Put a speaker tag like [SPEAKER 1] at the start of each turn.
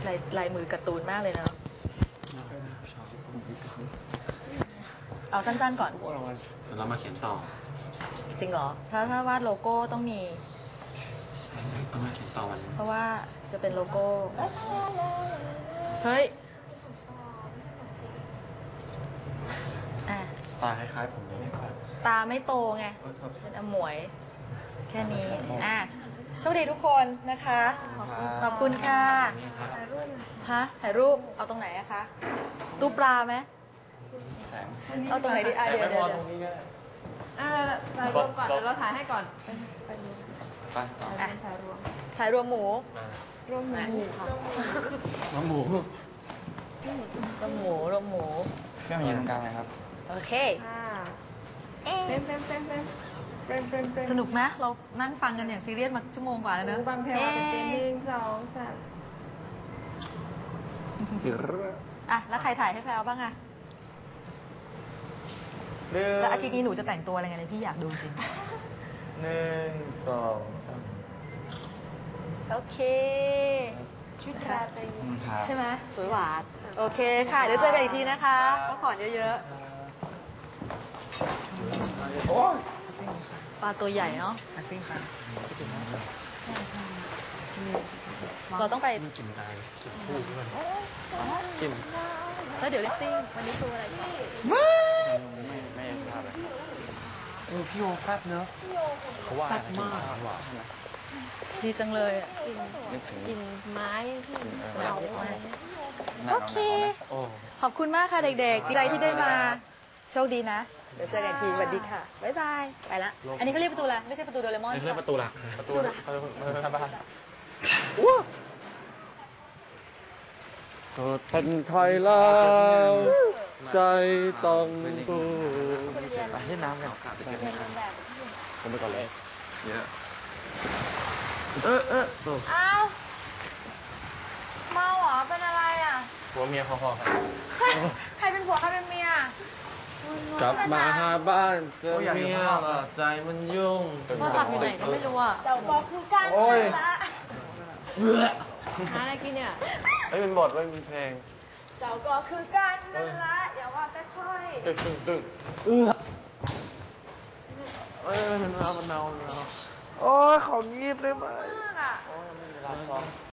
[SPEAKER 1] ลายมือการ์ตูนมากเลยเนาะเอาสั้นๆก่อน
[SPEAKER 2] เรามาเขียนต่อ
[SPEAKER 1] จริงเหรอถ้าวาดโลโก้ต้องมี
[SPEAKER 2] ต้องมาเขียนต่อวัน
[SPEAKER 1] เพราะว่าจะเป็นโลโก้เฮ้ย
[SPEAKER 2] ตาคล้ายๆผมเลย
[SPEAKER 1] ตาไม่โตไงเป็นอมวยแค่นี้โชคดีทุกคนนะคะขอบคุณค่ะฮะถ่ายรูปเอาตรงไหนอะคะตู้ปลาไหมเอาตรงไหนดีเดี๋ยว
[SPEAKER 3] ถ่ายรวมก่อนเดี๋ยวเราถ่ายให้ก่อน
[SPEAKER 2] ไปต่อ
[SPEAKER 1] ถ่ายรวมหมู
[SPEAKER 3] รวมหมูค่ะ
[SPEAKER 2] น้องหมู
[SPEAKER 1] รวมหมู
[SPEAKER 2] เครื่องยืนตรงกลางไหมครับ
[SPEAKER 1] โอเค
[SPEAKER 3] เป็น
[SPEAKER 1] สนุกไหมเรานั่งฟังกันอย่างซีเรียสมาชั่วโมงกว่าแล้วเนอะ
[SPEAKER 3] ฟังเพลงมาเป็น1 2 3
[SPEAKER 1] แล้วใครถ่ายให้แพรวบ้างอะแล้วอาทิตย์นี้หนูจะแต่งตัวอะไรไงเลยพี่อยากดูจริง
[SPEAKER 2] 1 2 3
[SPEAKER 1] โอเค
[SPEAKER 3] ชุดราตรี
[SPEAKER 1] ใช่ไหมสวยหวานโอเคค่ะเดี๋ยวเจอกันอีกทีนะคะพักผ่อนเยอะๆปลาตัวใหญ่เนาะเราต้องไป
[SPEAKER 2] กินได้กินคู่ด้วยกิน
[SPEAKER 1] แล้วเดี๋ยวเลสซิ่งวันนี้คืออะไร
[SPEAKER 2] ไม่ทราบเลยพี่โยแซ่บเนอะแซ่บมาก
[SPEAKER 1] ดีจังเลย
[SPEAKER 3] กินไม้ที่
[SPEAKER 1] เยอะมากโอเคขอบคุณมากค่ะเด็กๆดีใจที่ได้มาโชคดีนะเดี๋ยวเจอกันทีสวัสดีค่ะบ๊ายบายไปละอันนี้เขาเรียกประตูอะไรไม่ใช่ประตูโดเรมอน
[SPEAKER 2] ไม่ใช่ประตูหลักประตูบ้านก็เป็นไทยแล้วใจต้องสู้ไปเล่นน้ำกันผมไปก่อนเลยเยอะ
[SPEAKER 3] อ้าวเมาเหรอเป็นอะไรอ่ะ
[SPEAKER 2] ผัวเมียพอๆกัน
[SPEAKER 3] ใครเป็นผัวใครเป็นเมีย
[SPEAKER 2] กลับมาหาบ้านเจอเมียละใจมันยุ่ง
[SPEAKER 1] โทรศัพท์อยู่ไหนก็ไม่รู้อ่ะ
[SPEAKER 3] เดี๋ยวบอกคือการละหาอะไรกินเนี่ย
[SPEAKER 2] ไม่เป็นบทไม่เป็นเพลง
[SPEAKER 3] เจ้าก็คือการนั่นละอย่าว่าแต่ค่อย
[SPEAKER 2] ตึงมันเนาโอ้ยของยีบได้ไหม
[SPEAKER 3] มากอ่ะ
[SPEAKER 2] โอ้ยไม่มีเวลาซ้อม